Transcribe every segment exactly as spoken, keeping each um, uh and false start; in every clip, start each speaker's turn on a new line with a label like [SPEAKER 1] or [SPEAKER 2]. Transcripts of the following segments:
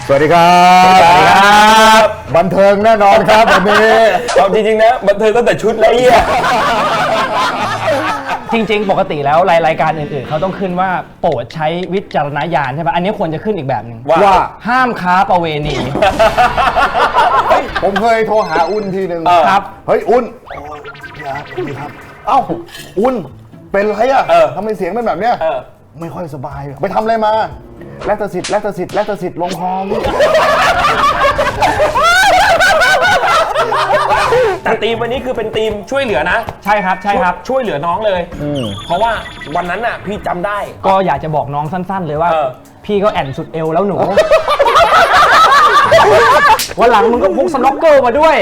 [SPEAKER 1] สวัสดีครับบันเทิงแน่นอนครับวันนี้
[SPEAKER 2] เอาจริงๆนะบันเทิงตั้งแต่ชุดแล้วเนี่ย
[SPEAKER 3] จริงๆปกติแล้วรายการอื่นๆเขาต้องขึ้นว่าโปรดใช้วิจารณญาณใช่ป่ะอันนี้ควรจะขึ้นอีกแบบหนึ่ง
[SPEAKER 1] ว่า
[SPEAKER 3] ห้ามค้าประเวณี
[SPEAKER 1] ผมเคยโทรหาอุ่นทีหนึ่ง
[SPEAKER 3] ครับ
[SPEAKER 1] เฮ้ยอุ่นอย่าดีครับเอ้าอุ่นเป็นไรอ่ะทำไมเสียงเป็นแบบเนี้ยไม่ค่อยสบายไปทำอะไรมาแลคตาซิดแลคตาซิดแลคตาซิดลงคอ
[SPEAKER 2] แต่ทีมวันนี้คือเป็นทีมช่วยเหลือนะ
[SPEAKER 3] ใช่ครับใช่ครับ
[SPEAKER 2] ช่วยเหลือน้องเลยเพราะว่าวันนั้นน่ะพี่จำได้
[SPEAKER 3] ก็อยากจะบอกน้องสั้นๆเลยว่าพี่ก็แอนสุดเอวแล้วหนูวันหลังมึงก็พกสน็อกเกิลมาด้วย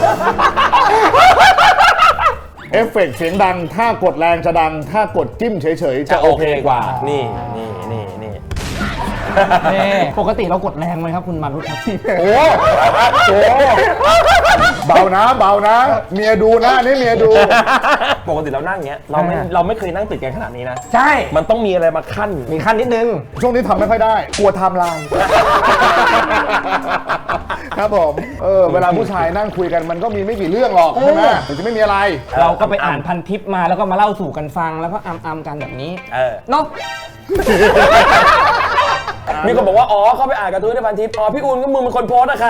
[SPEAKER 1] เอฟเฟกต์เสียงดังถ้ากดแรงจะดังถ้ากดจิ้มเฉยๆจะโอเคกว่า
[SPEAKER 2] นี่นี่นี่นี่
[SPEAKER 3] ปกติเรากดแรงไหมครับคุณมารุตครับ
[SPEAKER 1] โอ้โหเบานะเบานะเมียดูนะนี่เมียดู
[SPEAKER 2] ปกติเรานั่งเงี้ยเราไม่เราไม่เคยนั่งติดกันขนาดนี้นะ
[SPEAKER 3] ใช่
[SPEAKER 2] มันต้องมีอะไรมาขั้น
[SPEAKER 3] มีขั้นนิดนึง
[SPEAKER 1] ช่วงนี้ทำไม่ค่อยได้กลัวไทม์ไลน์ครับผมเออเวลาผู้ชายนั่งคุยกันมันก็มีไม่กี่เรื่องหรอกใช่ไหมถึงจะไม่มีอะไร
[SPEAKER 3] เราก็ไปอ่านพันทิปมาแล้วก็มาเล่าสู่กันฟังแล้วก็อัมๆกันแบบนี้เนาะ
[SPEAKER 2] มีคนบอกว่าอ๋อเข้าไปอ่านการ์ตูนในพันทิปอ๋อพี่อุ่นก็มึงเป็นคนโพสนะครับ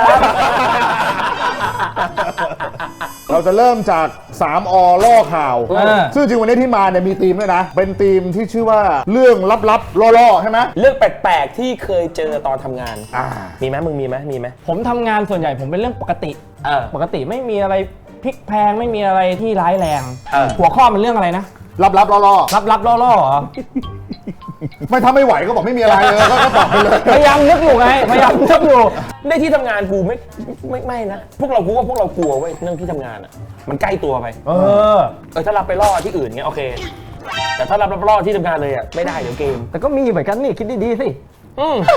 [SPEAKER 1] เราจะเริ่มจากสามอล่อข่าวซึ่งจริงวันนี้ที่มาเนี่ยมีธีมด้วยนะเป็นธีมที่ชื่อว่าเรื่องลับๆล่อๆใช่ไหม
[SPEAKER 2] เรื่องแปลกๆที่เคยเจอตอนทำงานมีไหมมึงมีไหมมีไหม
[SPEAKER 3] ผมทำงานส่วนใหญ่ผมเป็นเรื่องปกติปกติไม่มีอะไรพลิกแพงไม่มีอะไรที่ร้ายแรงหัวข้อมันเรื่องอะไรนะ
[SPEAKER 1] ลับๆล่อ
[SPEAKER 3] ๆลับๆล่อๆเหรอ
[SPEAKER 1] ไม่ถ้าไม่ไหวก็บอกไม่มีอะไรเลยก็ตอบไปเลย
[SPEAKER 3] พยายามนึกอยู่ไงพยายามนึกอยู่
[SPEAKER 2] ในที่ทำงานกูไม่ไม่ไม่นะพวกเรากูว่าพวกเรากลัวเว้ยเรื่องที่ทำงานอ่ะมันใกล้ตัวไป
[SPEAKER 3] เออ
[SPEAKER 2] เออถ้ารับไปล่อที่อื่นเงี้ยโอเคแต่ถ้ารับล่อที่ทำงานเลยอ่ะไม่ได้เดี๋ยวเกม
[SPEAKER 3] แต่ก็มีเหมือนกันนี่คิดดีๆสิ
[SPEAKER 2] อืม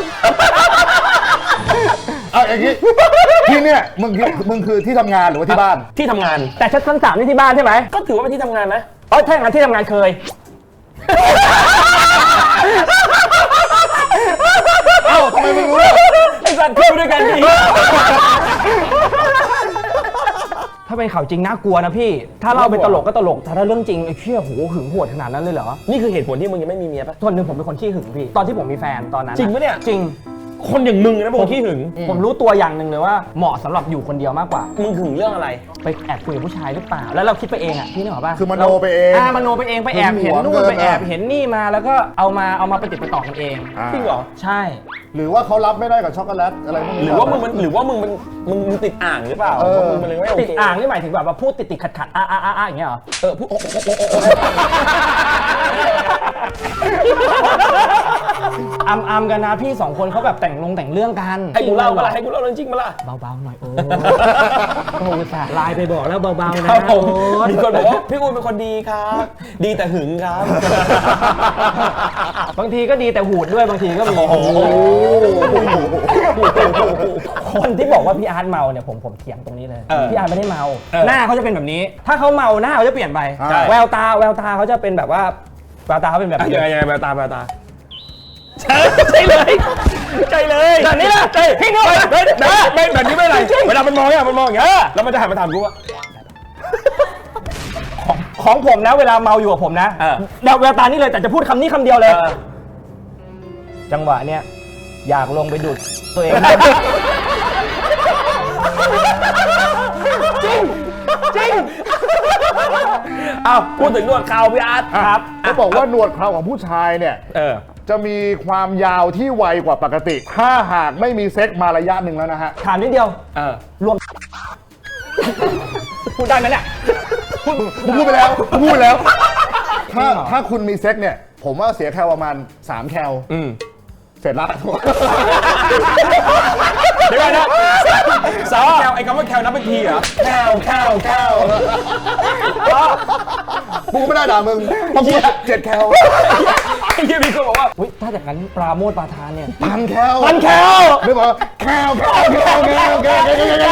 [SPEAKER 1] เอาอย่างนี้ที่เนี่ยมึงมึงคือที่ทำงานหรือว่าที่บ้าน
[SPEAKER 2] ที่ทำงาน
[SPEAKER 3] แต่ชั้นสามนี่ที่บ้านใช่ไหม
[SPEAKER 2] ก็ถือว่าเป็นที่ทำงานนะ
[SPEAKER 3] อ๋อถ้าอย่างนั้นที่ทำงานเคย
[SPEAKER 1] เอ้าทำไมไม่รู้
[SPEAKER 2] ไอ้สัตว์เที่ยวด้วยกันดี
[SPEAKER 3] ถ้าเป็นข่าวจริงน่ากลัวนะพี่ถ้าเล่าเป็นตลกก็ตลกแต่ถ้าเรื่องจริงไอ้เชี่ยโหหึงโหดขนาดนั้นเลยเหรอ
[SPEAKER 2] นี่คือเหตุผลที่มึงยังไม่มีเมียปะ
[SPEAKER 3] ส่วนหนึ่งผมเป็นคนขี้หึงพี่ตอนที่ผมมีแฟนตอนนั้น
[SPEAKER 2] จริงปะเนี่ย
[SPEAKER 3] จริง
[SPEAKER 2] คนอย่างมึงนะผมขี้หึง
[SPEAKER 3] ผมรู้ตัวอย่างหนึ่งเลยว่าเหมาะสำหรับอยู่คนเดียวมากกว่า
[SPEAKER 2] มึงหึงเรื่องอะไร
[SPEAKER 3] ไปแอบคุยกับผู้ชายหรือเปล่าแล้วเราคิดไปเองอ่ะพี่นึกออกป่ะ
[SPEAKER 1] คือมโนไปเอง
[SPEAKER 3] อ่ามโนไปเองไปแอบเห็นนู่นไปแอบเห็นนี่มาแล้วก็เอามาเอามาไปติดไปต่อกันเอง
[SPEAKER 2] จริงเหรอ
[SPEAKER 3] ใช่
[SPEAKER 1] หรือว่าเขารับไม่ได้กับช็อกโกแลตอะไรพวกนี้
[SPEAKER 2] หรือว่ามึงมันหรือว่ามึงมันมึงมึงติดอ่างหรือเปล่ามึงมันเลยไม่โอเค
[SPEAKER 3] ติดอ่างนี่หมายถึงแบบว่าพูดติดติดขัดขัดอ่าอ่าอ่าอย่างเงี้ยเหรอ
[SPEAKER 2] เออพูด
[SPEAKER 3] อัมอัมกันนะพี่สองคนเขาแบบแต่งลงแต่งเรื่องกัน
[SPEAKER 2] ให้กูเล่ามาละให้กูเล่าเรื่องจริงมาละ
[SPEAKER 3] เบาๆหน่อยโอ้โหสาไลน์ไปบอกแล้วเบาๆนะ
[SPEAKER 2] มีคนบอกว่าพี่อุ่นเป็นคนดีครับดีแต่หึงครับ
[SPEAKER 3] บางทีก็ดีแต่หูดด้วยบางทีก็มีคนที่บอกว่าพี่อาร์ตเมาเนี่ยผมผมเถียงตรงนี้เลยพี่อาร์ตไม่ได้เมาหน้าเขาจะเป็นแบบนี้ถ้าเขาเมาหน้าเขาจะเปลี่ยนไปแววตาแววตาเขาจะเป็นแบบว่าแววตาเขาเป็นแบบ
[SPEAKER 2] ยังไงยังไงแววตาแววตาใช่ใช่เลยใช่เลย
[SPEAKER 3] แบบนี้แหละ
[SPEAKER 2] ใช่พี่น้อยไม่แบบนี้ไม่ไรเวลามันมองเนี่ยมันมองอย่างเงี้ยแล้วมันจะหันมาถามกูว่า
[SPEAKER 3] ของผมนะเวลาเมาอยู่กับผมนะแววตานี่เลยแต่จะพูดคำนี้คำเดียวเลยจังหวะเนี้ยอยากลงไปดูดตัวเองจริงจริง
[SPEAKER 2] อ้าวพูดถึงหนวดเขาพี่อาร์ต
[SPEAKER 1] ครับเขาบอกว่าหนวดเขาของผู้ชายเนี่ยจะมีความยาวที่ไวกว่าปกติถ้าหากไม่มีเซ็กมาระยะหนึ่งแล้วนะฮะ
[SPEAKER 3] ถามนิดเดียวรวมพูดได้ไหมเนี่ย
[SPEAKER 1] พูดไปแล้วพูดแล้วถ้าถ้าคุณมีเซ็กเนี่ยผมว่าเสียแคลประมาณสามแคลเสร็จแล้ว
[SPEAKER 2] เดี๋ยวนะสาวแคลไอ้คำว่าแคลนับเป็นทีเหรอแคลแคลแคล
[SPEAKER 1] กูไม่ได้ด่ามึงต้องพูดเจ็ดแคล
[SPEAKER 2] ไอ้เหี้ยมีคนบอกว่า
[SPEAKER 3] อุ้ยถ้าจากนั้นปราโมทปาทานเนี่ย
[SPEAKER 1] พันแคล
[SPEAKER 3] พันแคล
[SPEAKER 1] ไม่บอกแคลแคลแคลแคลแคล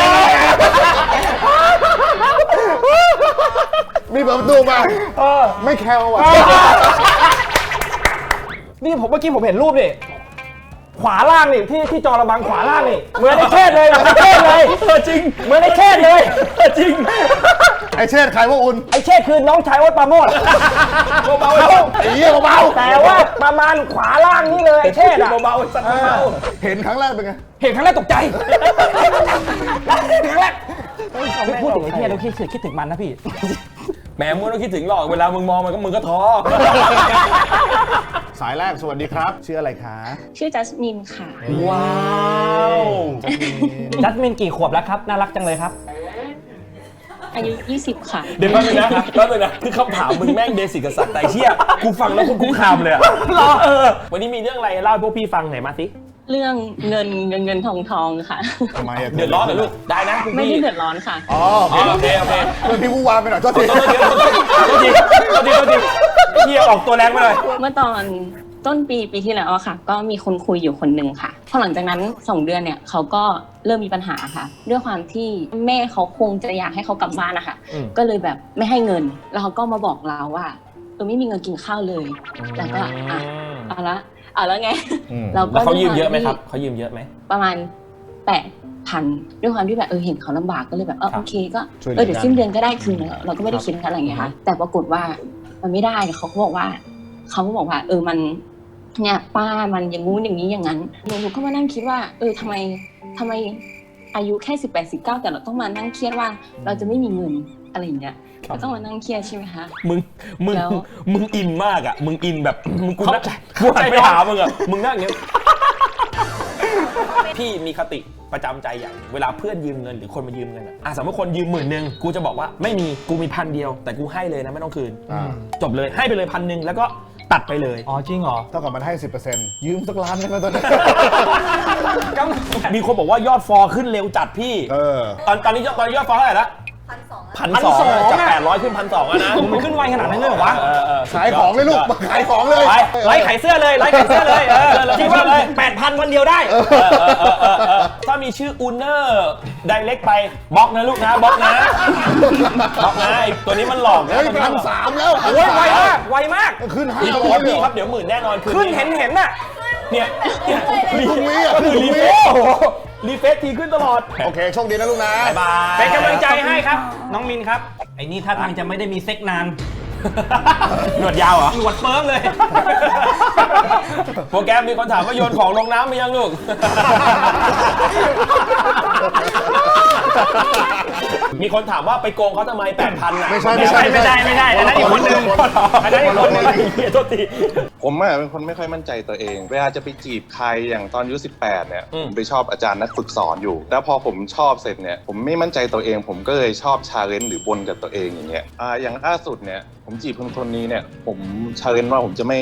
[SPEAKER 1] มีเปิดประตูมาไม่แคลว่ะ
[SPEAKER 3] นี่ผมเมื่อกี้ผมเห็นรูปดิขวาล่างนี่ที่ที่จอระบังขวาล่างนี่เหมือนไอ้เชษเลยเหมือนไอ้เชษเลยจริงเหมือนไอ้เชษเลยจริง
[SPEAKER 1] ไอ้เชษใครว่าอุ่น
[SPEAKER 3] ไอ้เชษคือน้องชายวัดปราโมท
[SPEAKER 1] เบาๆไอ้เหี้ยเบาๆ
[SPEAKER 3] แต่ว่าประมาณขวาล่างนี่เลยไอ้เชษอะ
[SPEAKER 2] เบาๆสัตว์เบา
[SPEAKER 1] เห็นครั้งแรกเป็นไง
[SPEAKER 3] เห็นครั้งแรกตกใจเห็นครั้งแรกพูดถึงไอ้เชษเราคิดคิดถึงมันนะพี่
[SPEAKER 2] แหมมึงต้องคิดถึงหรอกเวลามึงมองมันก็มึงก็ท้อ
[SPEAKER 1] สายแรกสวัสดีครับชื่ออะไรคะ
[SPEAKER 4] ชื่อจัสมินค่ะ
[SPEAKER 2] ว้าว
[SPEAKER 3] จัสมินกี่ขวบแล้วครับน่ารักจังเลยครับ
[SPEAKER 4] อายุยี่สิบค่ะ
[SPEAKER 2] เดี๋ยวแป๊บนึงนะแป๊บนึงนะคือคำถามมึงแม่งเบสิกกับสัตว์แต่เชี่ยกูฟังแล้วกูคุ้มคามเลยอะรอเออวันนี้มีเรื่องอะไรเล่าให้พวกพี่ฟังหน่อยมาสิ
[SPEAKER 4] เรื่องเงินเงินเงินทองทองค่ะ
[SPEAKER 1] ทำไมอะ
[SPEAKER 2] เดือดร้อนเหรอลูกได้นะ
[SPEAKER 4] ไม่ได้เดือดร้อนค่ะ
[SPEAKER 1] อ๋อโอเคโอเคเพื่อนพี่วูวามไปหน่อยโทษทีโทษทีโทษ
[SPEAKER 2] ทีโทษทีโทษทีเฮียออกตัวแรงไปเลย
[SPEAKER 4] เมื่อตอนต้นปีปีที่แล้วค่ะก็มีคนคุยอยู่คนหนึ่งค่ะพอหลังจากนั้นสองเดือนเนี่ยเขาก็เริ่มมีปัญหาค่ะด้วยความที่แม่เขาคงจะอยากให้เขากลับบ้านนะคะก็เลยแบบไม่ให้เงินแล้วเขาก็มาบอกเราว่าเออไม่มีเงินกินข้าวเลยแล้วก็อ่ะเอาละเอาแล้วไง
[SPEAKER 2] เราก็เขายืมเยอะไหมครับเขายืมเยอะไหม
[SPEAKER 4] ประมาณแปดพันด้วยความที่แบบเออเห็นเขาลำบากก็เลยแบบเออโอเคก็เออเดี๋ยวสิ้นเดือนก็ได้คืนเราก็ไม่ได้คิดอะไรอย่างเงี้ยค่ะแต่ปรากฏว่ามันไม่ได้เขาก็บอกว่าเขาก็บอกว่าเออมันเนี่ยป้ามันอย่างงู้นอย่างนี้อย่างนั้นหนูก็มานั่งคิดว่าเออทำไมทำไมอายุแค่สิบแปดสิบเก้าแต่เราต้องมานั่งเครียดว่าเราจะไม่มีเงินอะไรอย่างเงี้ยเราต้องมานั่งเครียดใช่ไหมคะ
[SPEAKER 2] มึงมึงมึงอินมากอ่ะมึงอินแบบมึงกูนักกูหันไปหามึงอ่ะมึงนั่งอย่างเงี้ยพี่มีคติประจำใจอย่างเวลาเพื่อนยืมเงินหรือคนมายืมเงินอ่ะสมมติคนยืมหมื่นหนึ่งกูจะบอกว่าไม่มีกูมีพันเดียวแต่กูให้เลยนะไม่ต้องคืนจบเลยให้ไปเลยพันหนึ่งแล้วก็ตัดไปเลย
[SPEAKER 3] อ๋อจริงเหรอ
[SPEAKER 1] เท่ากับมันให้ สิบเปอร์เซ็นต์ ยืมสักล้านได้ไหมตอนนี้
[SPEAKER 2] มีคนบอกว่ายอดฟอขึ้นเร็วจัดพี่ตอนตอนนี้ยอดตอนนี้ยอดฟอเท่าไหร่ละพันสองจากแปดร้อยขึ้นพันสองแล้วนะ
[SPEAKER 3] มันขึ้นไวขนาดนั้นเลยเหรอวะ
[SPEAKER 1] ขายของเลยลูกขายของเลย
[SPEAKER 3] ไล่ขายเสื้อเลยไล่ขายเสื้อเลยคิดว่าแปดพันวันเดียวได้
[SPEAKER 2] ถ้ามีชื่ออูเนอร์ไดเรกไปบล็อกนะลูกนะบล็อกนะบล็อกนะไอตัวนี้มันหลอกนะ
[SPEAKER 1] พันสามแล้ว
[SPEAKER 3] โอ้ยไวมากไวมาก
[SPEAKER 1] ขึ้นห้า
[SPEAKER 2] ร้อยพี่ครับเดี๋ยวหมื่นแน่นอน
[SPEAKER 3] ขึ้นเห็นเห็นน่ะ
[SPEAKER 2] เนี่ย
[SPEAKER 1] รีเฟซ
[SPEAKER 2] รีเฟซรีเฟซทีขึ้นตลอด
[SPEAKER 1] โอเคโชคดีนะลูกนะ
[SPEAKER 2] บ๊ายบาย
[SPEAKER 3] เป็นกำลังใจให้ครับน้องมินครับไอ้นี่ท่าทางจะไม่ได้มีเซ็กนาน
[SPEAKER 2] หนวดยาวเหรอ
[SPEAKER 3] หนวดเฟิร์มเลย
[SPEAKER 2] โปรแกรมมีคนถามว่าโยนของลงน้ำไปยังลูกมีคนถามว่าไปโกงเขาทำไมแปดพันอ่ะ
[SPEAKER 1] ไม่ใช่ไม่ใช่
[SPEAKER 3] ไม่ได้ไม่ได้อันนั้นอีกคนนึงอันนั้นอีกคนนึง
[SPEAKER 2] โทษที
[SPEAKER 5] ผมอ่ะเป็นคนไม่ค่อยมั่นใจตัวเองเวลาจะไปจีบใครอย่างตอนอายุสิบแปดเนี่ยผมไปชอบอาจารย์นักฝึกสอนอยู่แล้วพอผมชอบเสร็จเนี่ยผมไม่มั่นใจตัวเองผมก็เลยชอบชาเลนจ์หรือบนกับตัวเองอย่างเงี้ยอ่าอย่างล่าสุดเนี่ยผมจีบคนคนนี้เนี่ยผมชาเลนจ์ว่าผมจะไม่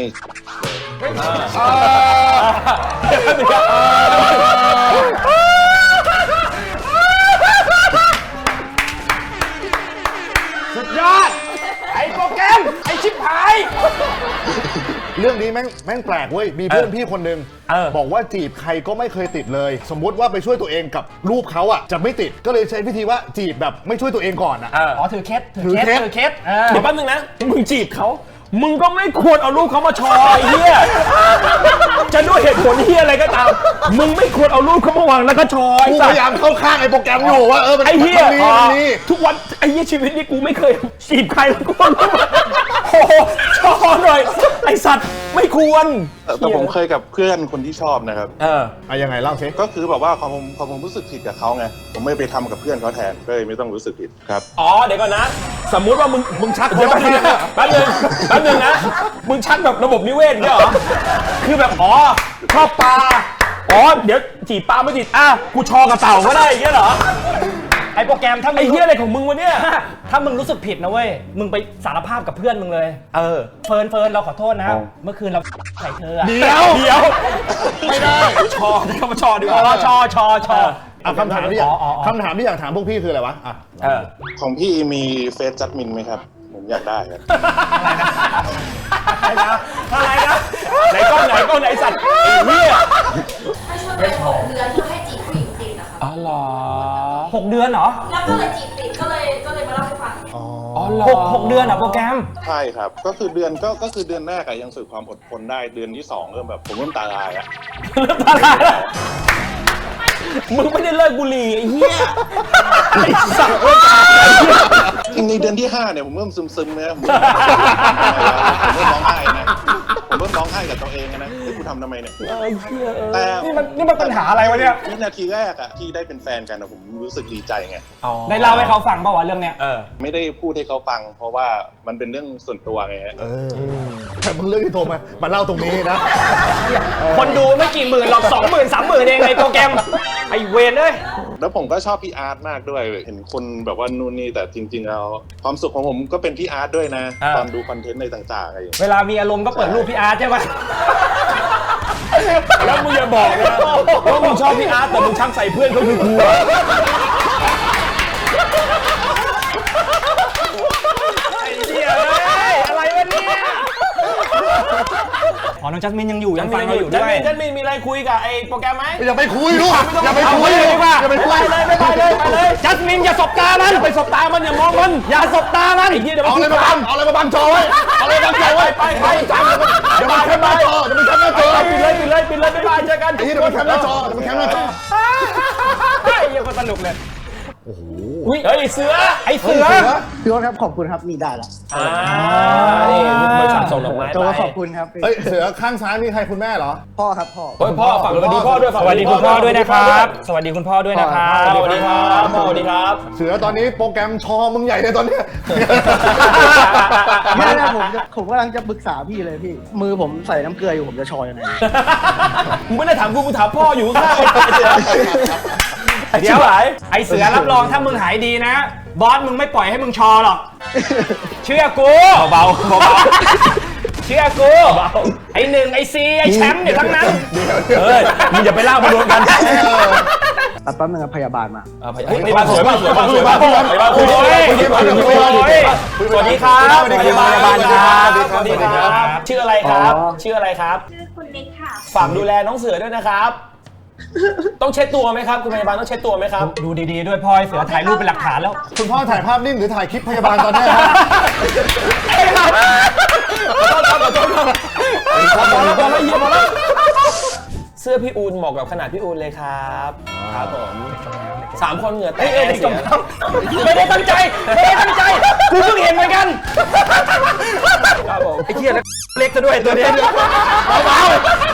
[SPEAKER 3] สุดยอดไอ้โปรแกรมไอ้ชิบหาย
[SPEAKER 1] เรื่องนี้แม่งแม่งแปลกเว้ยมีเพื่อนพี่คนนึงบอกว่าจีบใครก็ไม่เคยติดเลยสมมุติว่าไปช่วยตัวเองกับรูปเขาอ่ะจะไม่ติดก็เลยใช้วิธีว่าจีบแบบไม่ช่วยตัวเองก่อนอ่ะ
[SPEAKER 3] อ๋อถือเคสถือเคสถือเคส
[SPEAKER 2] เดี๋ยวแป๊บนึงนะมึงจีบเขามึงก็ไม่ควรเอารูปเขามาชอยเฮียจะด้วยเหตุผลเฮียอะไรก็ตามมึงไม่ควรเอารูปเขามาวางแล้วก็ชอย
[SPEAKER 1] พยายามเข้าข้างไอ้โปรแกรมอยู่ว่าเออมัน
[SPEAKER 2] ไอ้เฮียทุกวันไอ้เฮียชีวิตนี้กูไม่เคยจีบใครแล้วกูโอ้ชอหน่อยไอสัตว์ไม่ควร
[SPEAKER 5] แต่ผมเคยกับเพื่อนคนที่ชอบนะครับ
[SPEAKER 1] เอออะยังไงเล่าสิ
[SPEAKER 5] ก็คือแบบว่าความความรู้สึกผิดกับเขาไงผมไม่ไปทำกับเพื่อนเขาแทนก็เลยไม่ต้องรู้สึกผิดครับ
[SPEAKER 2] อ๋อเดี๋ยวก่อนนะสมมุติว่ามึงมึงชักเดี๋ยวแป๊บนึงแป๊บนึงแป๊บนึงนะมึงชักแบบระบบนิเวศเนี่ยเหรอคือแบบอ๋อชอบปลาอ๋อเดี๋ยวจีบปลาไม่จีบอ่ะกูชอกับเต่าก็ได้อย่างเงี้ยเหรอ
[SPEAKER 3] ไอ้โปรแกรมถ้า
[SPEAKER 2] ไอ้เหี้ยอะไรของมึงวะเนี่ย
[SPEAKER 3] ถ้ามึงรู้สึกผิดนะเว้ยมึงไปสารภาพกับเพื่อนมึงเลย
[SPEAKER 2] เออ
[SPEAKER 3] เฟิร์นเฟิร์นเราขอโทษนะเมื่อคืนเราใส่เธอ
[SPEAKER 2] เดี๋ยวเดี๋ยวไม่ได้ชอที่เขามาชอดีกว่า
[SPEAKER 3] ชอชอชอ
[SPEAKER 1] คำถามที่อยากคำถามที่อยากถามพวกพี่คืออะไรวะอ่ะ
[SPEAKER 5] ของพี่มีเฟซจัดมินไหมครับผมอยากได้ครับ
[SPEAKER 3] อะไรนะอะไรนะ
[SPEAKER 2] ไหนก้อนไหนก้อนไหนสัตว์ไอ้เหี้ย
[SPEAKER 6] ให้ช่วงหกเดือนเพื่อให้จีบผู้หญิงติดนะคะ
[SPEAKER 2] อ๋อเหรอ
[SPEAKER 3] หกเดือนเหรอ
[SPEAKER 6] แล้วก็เลยจีบติดก็เลยก็เลยมาเล่าให้ฟัง
[SPEAKER 2] อ๋อเหรอ
[SPEAKER 3] หกหกเดือนเหรอโปรแกรม
[SPEAKER 5] ใช่ครับ ก็คือเดือนก็ก็คือเดือนแรกอะยังฝึกความอดทนได้เดือนที่สองเริ่มแบบผมเริ่มตาลายอะ
[SPEAKER 2] มึงไม่ได้เลิกบุหรี่ไอ้เหี้ยไอ้สัตว์
[SPEAKER 5] จริงในเดือนที่ห้าเนี่ยผมเริ่มซึมๆนะผมเริ่มผมเริ่มร้องไห้นะผมเริ่มร้องไห้กับตัวเองนะที่กูทำทำไมเนี่ยแต่
[SPEAKER 3] นี่มันนี่มันปัญหาอะไรวะเนี่ย
[SPEAKER 5] วินาทีแรกอะที่ได้เป็นแฟนกันอะผมรู้สึกดีใจไง
[SPEAKER 3] ได้เล่าให้เขาฟังป่าวะเรื่องเนี้ย
[SPEAKER 2] เออ
[SPEAKER 5] ไม่ได้พูดให้เขาฟัง เพราะว่ามันเป็นเรื่องส่วนตัวไงฮะ
[SPEAKER 1] เออแต่มึงเลือกที่โทรมามาเล่าตรงนี้นะ
[SPEAKER 3] คนดูไม่กี่หมื่นหรอกสองหมื่นสามหมื่นเองในโปรแกรมไอเวนเอ้ย
[SPEAKER 5] แล้วผมก็ชอบพี่อาร์ตมากด้วยเห็นคนแบบว่านู่นนี่แต่จริงๆแล้วความสุขของผมก็เป็นพี่อาร์ตด้วยนะ
[SPEAKER 2] อ่า
[SPEAKER 5] ตอนดูคอนเทนต์ในต่างๆอะไรอย่างเงี้ย
[SPEAKER 3] เวลามีอารมณ์ก็เปิดรูปพี่อาร์ตใช่ไหม
[SPEAKER 2] แล้วมึงอย่าบอกนะว่ามึงชอบพี่อาร์ตแต่มึงชักใส่เพื่อนเขาคือกูอะไอ้เหี้ยเอ้ยอะไรวะเนี่ย
[SPEAKER 3] อ๋อน้องจัสมินยังอยู่ยังฟังเราอยู่ด้วย
[SPEAKER 2] จันมินมีอะไรคุยกับไอ้โปรแกรมไหม
[SPEAKER 1] อย่าไปคุยลูกอย่าไปคุย
[SPEAKER 2] เอาไปเลยดีกว่า
[SPEAKER 1] อย่าไปคุย
[SPEAKER 2] ไปเลยไปเลยไปเลย
[SPEAKER 3] จัสมินอย่าสบตามัน
[SPEAKER 2] ไปสบตามันอย่ามองมัน
[SPEAKER 3] อย่าสบตามัน
[SPEAKER 2] ไอ้เหี้ยเดี๋ยว
[SPEAKER 1] เอา
[SPEAKER 2] มัน
[SPEAKER 1] อะไรมาบังเอาอะไรมาบังจอไว้เอาอะไรมาบังจอไว้
[SPEAKER 2] ไปไป
[SPEAKER 1] เดี๋ยวมันแคปหน้าจอเดี๋ยวมันแคปหน้าจอ
[SPEAKER 2] ปิดเลยปิดเลยปิดเลยบ๊ายบายเจอกัน
[SPEAKER 1] ไอ้ที่เดี๋ยวมันแคปหน้าจอเดี๋ยวมันแคปหน้าจอ
[SPEAKER 3] ไอ้เหี้ยังคนสนุกเลย
[SPEAKER 2] อุ้ยเฮ้ยเสือ
[SPEAKER 3] ไอ้เสือ
[SPEAKER 7] พี่โอ๊ตครับขอบคุณครับนี่ได้ละ
[SPEAKER 2] อ่านี่บริษัทส่งดอกไม้
[SPEAKER 7] โจ
[SPEAKER 2] ไป
[SPEAKER 7] ขอบคุณครับ
[SPEAKER 1] เฮ้ยเสือข้างซ้ายนี่ใครคุณแม่เหรอ
[SPEAKER 7] พ่อครับพ่อ
[SPEAKER 2] เฮ้ยพ่อฝากสวัสดีพ่อด้วย
[SPEAKER 3] สวัสดีคุณพ่อด้วยนะครับ สวัสดีคุณพ่อด้วยนะครับ
[SPEAKER 2] สวัสดีครับพ่อสวัสดีครับ
[SPEAKER 1] เสือตอนนี้โปรแกรมชอมึงใหญ่เลยตอนเนี้ย
[SPEAKER 7] ไม่ได้ผมจะผมกำลังจะปรึกษาพี่เลยพี่ มือผมใส่น้ำเกลืออยู่ผมจะชอยยังไง
[SPEAKER 2] มึงไม่ได้ถามกูมึงถามพ่ออยู่ข้างๆไอ้เสือ
[SPEAKER 3] เดี๋ยวไอ้เสือรับรองถ้ามึงหายดีนะ บอสมึงไม่ปล่อยให้มึงชอหรอก เชื่อกู
[SPEAKER 2] เบาๆเบา
[SPEAKER 3] เชื่อกู ไอ้หนึ่งไอ้ซีไอ้แชมป์เนี่ยทั้งนั้น
[SPEAKER 2] ๆเฮ้ยมึงอย่าไปเล่ามารวมกัน
[SPEAKER 7] ตัดแป๊บนึงครับพยาบาลมา
[SPEAKER 2] เฮ้ยพยาบาลสวยมากสวยมากสวยมากพยาบาลคุยด้วยคุยด้วยคุยด้วยสวัสดีครับพยาบาลครับสวัสดีครับชื่ออะไรครับชื่ออะไรครับ
[SPEAKER 6] ชื่อคุณนิกค่ะ
[SPEAKER 2] ฝากดูแลน้องเสือด้วยนะครับ ต้องเช็ดตัวไหมครับคุณพยาบาลต้องเช็ดตัวไหมครับ
[SPEAKER 3] ดูดีๆด้วยพ่อไอ้เสือถ่ายรูปเป็นหลักฐานแล้ว
[SPEAKER 1] คุณพ่อถ่ายภาพนิ่งหรือถ่ายคลิปพยาบาลตอนเนี้ยฮะ
[SPEAKER 2] เสื้อพี่อูนเหมาะกับขนาดพี่อูนเลยครับครับผมสามคนเหงื่อแตกเสีย
[SPEAKER 3] ไม่ได้ตั้งใจ ไม่ได้ตั้งใจ กูเพิ่งเห็นเหมือนกัน
[SPEAKER 2] ครับผม
[SPEAKER 3] ไอ้เหี้ยแล้วเล็กซะด้วยตัวเนี้ยเบาๆ